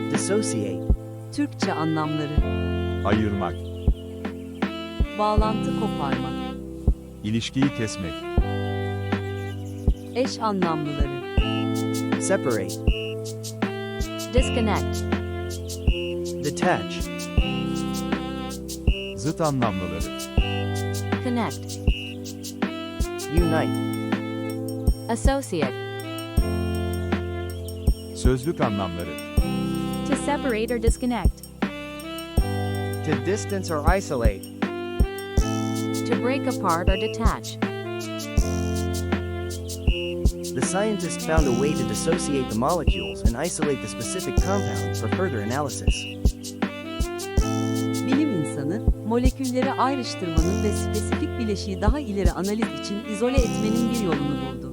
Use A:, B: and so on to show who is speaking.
A: Dissociate.
B: Türkçe anlamları:
C: ayırmak,
B: bağlantı koparmak,
C: ilişkiyi kesmek,
B: eş anlamlıları:
A: Separate.
D: Disconnect.
A: Detach.
C: zıt anlamlıları,
D: Connect.
A: Unite.
D: Associate.
C: sözlük anlamları,
D: To separate or disconnect.
A: To distance or isolate.
D: To break apart or detach.
A: The scientists found a way to dissociate the molecules and isolate the specific compound for further analysis.
B: Bilim insanı, molekülleri ayrıştırmanın ve spesifik bileşiği daha ileri analiz için izole etmenin bir yolunu buldu.